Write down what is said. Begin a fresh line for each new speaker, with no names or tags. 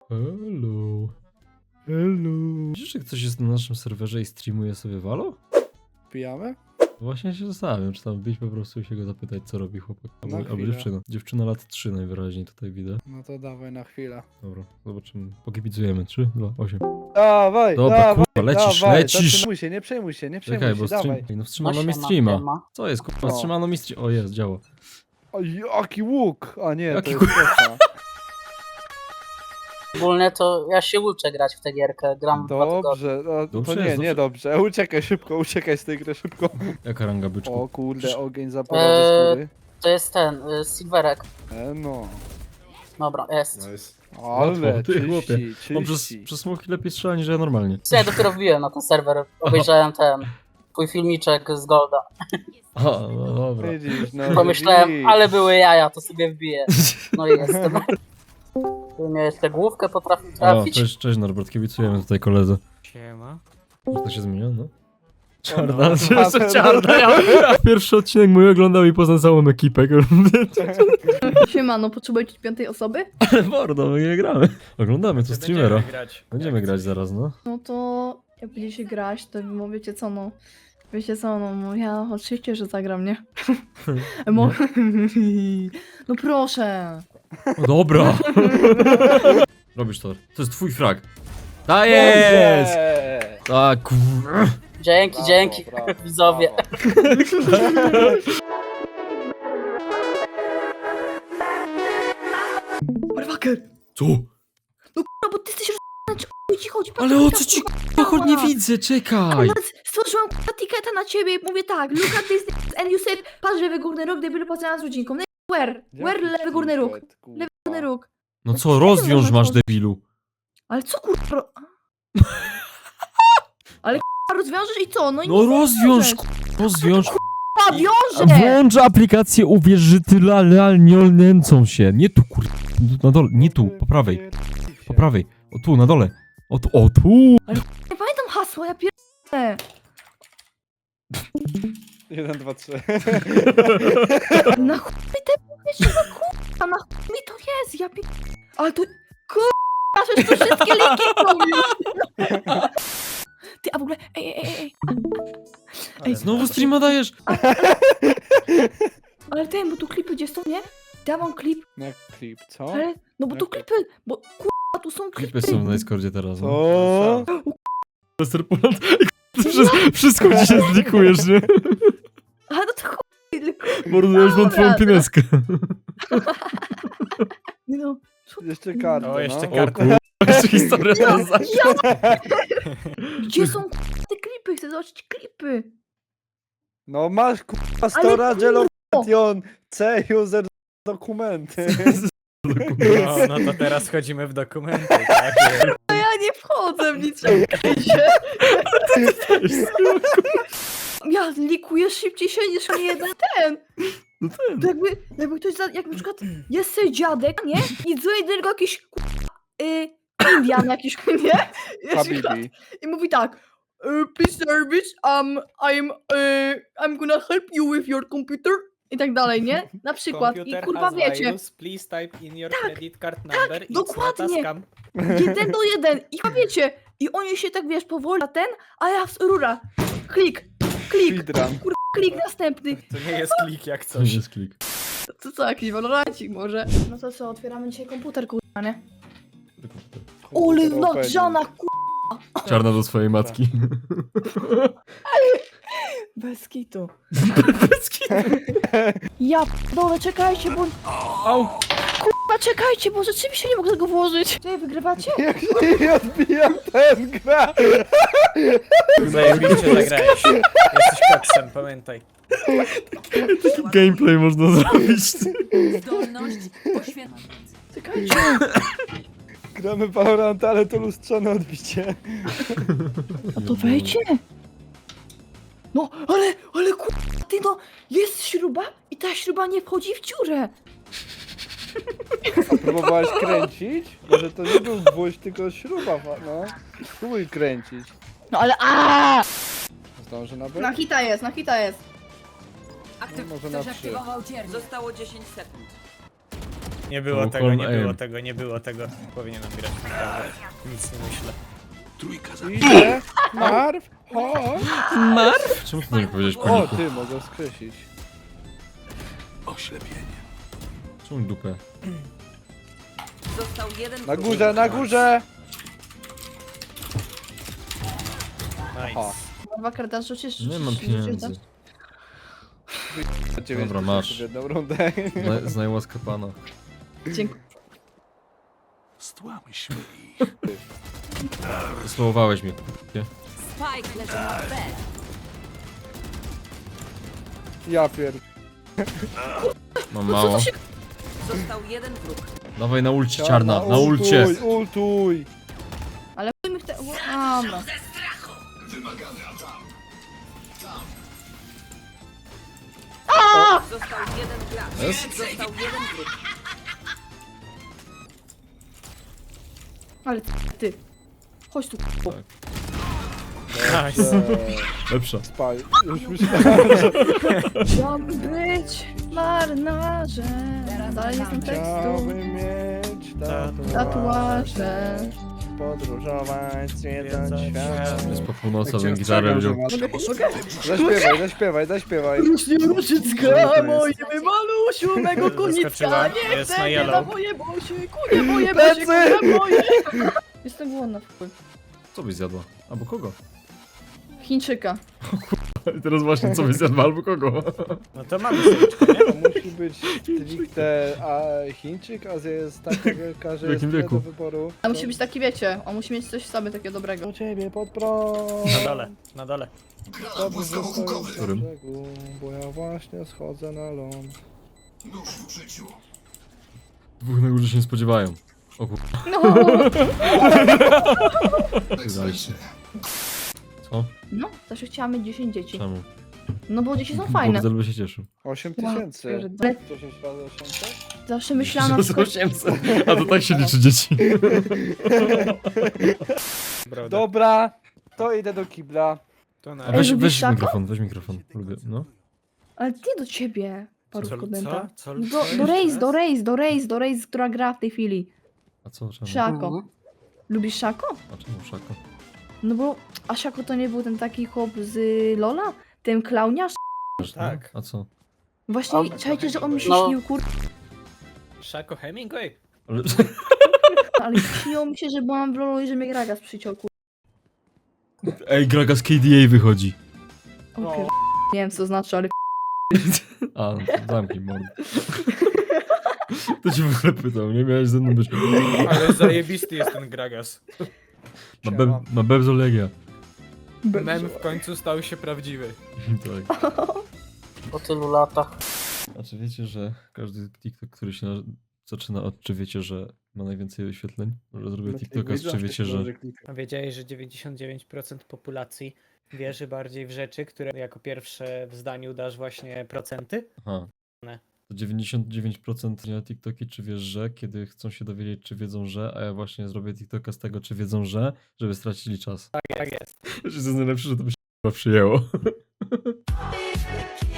Hello. Hello. Widzisz, że ktoś jest na naszym serwerze i streamuje sobie Valo?
Pijamy?
Właśnie się zastanawiam, czy tam wbić po prostu i się go zapytać, co robi chłopak. Albo
chwilę.
dziewczyna. Dziewczyna lat 3 najwyraźniej tutaj widzę.
No to dawaj na chwilę.
Dobra, zobaczymy. Pokibicujemy. 3, 2, 8.
Dawaj,
Dobra,
dawaj,
kurwa, lecisz,
dawaj,
lecisz.
Zatrzymaj się, nie przejmuj się, nie przejmuj
Czekaj,
się,
bo stream...
dawaj.
Ej, no wstrzymano mi
siema,
streama.
siema.
Co jest, kurwa?
O.
Wstrzymano mi stream... O, jest, działa.
O, jaki łuk! A nie,
Jaki
to jest kosa.
Ogólnie to ja się uczę grać w tę gierkę, gram 2 tygodnie.
Dobrze, no,
Dobrze
to
jest,
nie dobrze. Uciekaj szybko, uciekaj z tej gry szybko.
Jaka ranga byczku?
O kurde, ogień zaporowy skóry.
To jest ten, Silverek.
No.
Dobra, jest.
Ale,
Łatwo, ty chłopie.
czyści,
Bo
czyści.
przez smoki lepiej strzela niż ja normalnie.
Ja dopiero wbiłem na ten serwer, obejrzałem ten twój filmiczek z Golda.
A, no dobra.
Widzisz, no
Pomyślałem,
widzisz.
ale były jaja, to sobie wbiję. No i jestem. Ty miałeś tę główkę, potrafił
O,
trafić.
cześć Norbert, kibicujemy tutaj koledze.
Siema.
Że to się zmienia, no?
No,
Czarna,
no,
jeszcze
no,
czarna. Ja pierwszy odcinek mój oglądał i poznał całą ekipę.
Siemano, potrzebujecie 5 osoby?
Ale mordo, my nie gramy. Oglądamy to streamera.
Będziemy grać.
Będziemy grać zaraz, no.
No to jak będziecie grać, to wiecie co no. Wiecie co, no ja oczywiście, że zagram, nie? No proszę.
O, dobra. Robisz to. To jest twój frag. Ta jest!
Dobrze.
Tak, kurwa.
Dzięki,
Brawo,
dzięki,
brawo,
widzowie.
brawo.
Motherfucker!
Co?
No bo ty jesteś czy o ci chodzi?
Ale o co ci kurwa nie widzę, czekaj.
Stworzyłam etykietę na ciebie i mówię tak, look at this and you said, patrz lewy górny róg, debilu poznana z rodzinką. Where lewy górny róg? Lewy górny róg.
No co, rozwiąż masz, debilu.
Ale co kurwa? Ale kurwa rozwiążesz i co? No i
No
nic nie
rozwiąż,
rozwiążesz.
rozwiąż.
Kurwa, wiąże!
Włącz aplikację, uwierz, że ty nie nęcą się. Nie tu, kurwa. Na dole, nie tu, po prawej. Po prawej. O tu, na dole. O tu, o tu.
Nie pamiętam hasła, ja pierdolę.
1, 2, 3.
Na chuj mi te jeszcze na kurwa, na chuj mi to jest, ja ale to kurwa, że to wszystkie linki robisz. Ty, a w ogóle, ej,
Znowu streama dajesz.
ale ten, bo tu klipy gdzie są, nie? Dawam klip,
Jak klip, co?
ale, no bo tu
Jak
klipy, bo kurwa, tu są klipy.
Klipy są na Discordzie teraz. No.
Co?
Lester Poland. Wszystko ci się zlikujesz, nie?
Ale no to chuj, tylko,
Mordujesz mam twoją
Dobra,
pineskę.
no.
Jeszcze kartę,
O, jeszcze
no.
kartę.
Jeszcze historia teraz.
Gdzie są kurwa, te klipy? Chcę zobaczyć klipy.
No masz kurwa
Ale
storage location C user dokumenty.
No to teraz wchodzimy w dokumenty, tak?
Ja nie wchodzę w nic, czekajcie. Ja likuję szybciej się niż mnie jeden ten.
No ten.
To jakby ktoś, jak na przykład jest sobie dziadek, nie? I dzwoni do niego jakiś Indian jakiś, nie?
Habibi.
I mówi tak, please service, I'm gonna help you with your computer. I tak dalej, nie? Na przykład. I kurwa wiecie,
Please type in your
Tak,
credit card number. It's not a
dokładnie.
scam.
1 do 1. I chyba wiecie, i oni się tak wiesz, powoli, a ten, a ja rura. Klik,
Speedrun.
kurwa, klik następny.
To nie jest klik jak
To
coś.
jest klik.
To co, jakiś walorancik może? No to co, otwieramy dzisiaj komputer, kurwa, nie? Ole, nagrzana, kurwa.
Czarna do swojej matki.
Bez kitu. Ja dole, czekajcie, bo...
Au.
Kurwa, czekajcie, bo rzeczywiście nie mogę tego włożyć. Czy wygrywacie?
Jak się nie odbija ten gra.
Zajebiście zagrałeś. Jesteś koksem, pamiętaj.
Taki gameplay można zrobić.
Zdolność poświęcenia.
Czekajcie.
Gramy Valorant, ale to lustrzane odbicie.
A to wejdźcie. No, ale kurwa, ty no, jest śruba i ta śruba nie wchodzi w dziurę.
A próbowałeś kręcić? Może to nie był gwóźdź, tylko śruba, no. Spróbuj kręcić.
No ale
Zdąży na B?
Na hita jest, na hita jest.
Może na
Ktoś
3.
aktywował cierń. Zostało 10 sekund.
Nie było
To
tego,
Horn
nie było
Aim.
tego, nie było tego. Powinienem grać naprawdę. Nic nie myślę.
Idzie, Marw, chodź.
Czemu ty nie powiedziałeś
O,
paniku?
ty, mogę skreślić.
Czemu dupę?
Został jeden
Na
wróg.
górze, na górze!
Nice.
Dwa karta rzucisz?
Nie mam pieniędzy. Dobra, masz.
W jedną rundę.
Znaj łaskę pana.
Dziękuję.
Wysłowałeś mnie.
Spike leży na B.
Ja pier...
Mam mało.
Został jeden wróg.
Dawaj na ulcie, czarna, na ulcie.
Ultuj!
Ale chuj mi w te... Dobra.
Został jeden gracz.
Jest?
Został jeden wróg.
Ale ty. Chodź tu.
Nice.
Lepsza.
Spaj. Już myślałem, że
Chciałbym być marynarzem. Dalej nie znam tekstu.
chciałbym mieć
Tatuaże.
Podróżować, zwiedzać
Zwiedzać
świat.
Jest po północy, bym gitarę wziął.
Zaśpiewaj, zaśpiewaj.
Rusznie różyczka, moje malusiu, mego konicka,
Zaskoczyła.
nie
Jest
chcę,
na
nie
yellow.
na moje bosie, kunie moje bosie,
Plecy!
kunie moje. Jestem głodna w chuj.
Co byś zjadła? Albo kogo?
Chińczyka.
Teraz właśnie co byś zjadła, albo kogo?
No to mamy słyczkę, nie?
To musi być stricte Chińczyk, Azja jest taka wielka, że
W
jest
jakim
tyle
wieku?
do wyboru.
A musi być taki, wiecie, on musi mieć coś w sobie takiego dobrego.
Do ciebie pod prąd.
Na dole, na dole.
Dobrze, że stoisz na
Którym?
brzegu, bo ja właśnie schodzę na ląd.
Dwóch na górze się nie spodziewają. O kur...
No,
Daliście. Co?
no, zawsze chciałam mieć 10 dzieci.
Czemu?
No bo dzieci są fajne.
Bogdel by się cieszył.
8000.
Ale
10 razy 800?
zawsze myślałam na przykład...
800. A to tak się liczy dzieci.
Prawda.
Dobra, to idę do kibla.
To na...
A weź
lubisz szako?
weź mikrofon. Lubię, no.
Ale nie do ciebie, parówko dęta.
Co?
Do Raze, która gra w tej chwili.
A co, czemu?
Szako.
Mhm.
Lubisz Szako?
A czemu szako?
No bo, a Szako to nie był ten taki chłop z Lola? Ten klauniarz?
Tak.
A co?
Właśnie,
On-
czajcie, że on mi się
No.
śnił, kur...
Szako Hemingway?
Ale...
Ale śniło mi się, że byłam w Lolu i że mnie Gragas przyciął, kur...
Ej, Graga z KDA wychodzi.
O,
No.
pier... Nie wiem, co to znaczy, ale...
A, no to zamknij mordę. To ci w ogóle pytał, nie miałeś ze mną być.
Ale zajebisty jest ten Gragas.
Ma Bebzolegia.
Mem w końcu stał się prawdziwy.
Tak.
Po tylu latach.
A czy wiecie, że każdy TikTok, który się zaczyna od czy wiecie, że ma najwięcej wyświetleń? Może zrobię TikToka z czy wiecie, że...
A wiedziałeś, że 99% populacji wierzy bardziej w rzeczy, które jako pierwsze w zdaniu dasz właśnie procenty?
Aha.
Ne.
To 99% na TikToki, czy wiesz, że kiedy chcą się dowiedzieć, czy wiedzą, że, a ja właśnie zrobię TikToka z tego, czy wiedzą, że, żeby stracili czas.
Tak jest.
Jeśli to jest najlepsze, że to by się chyba przyjęło.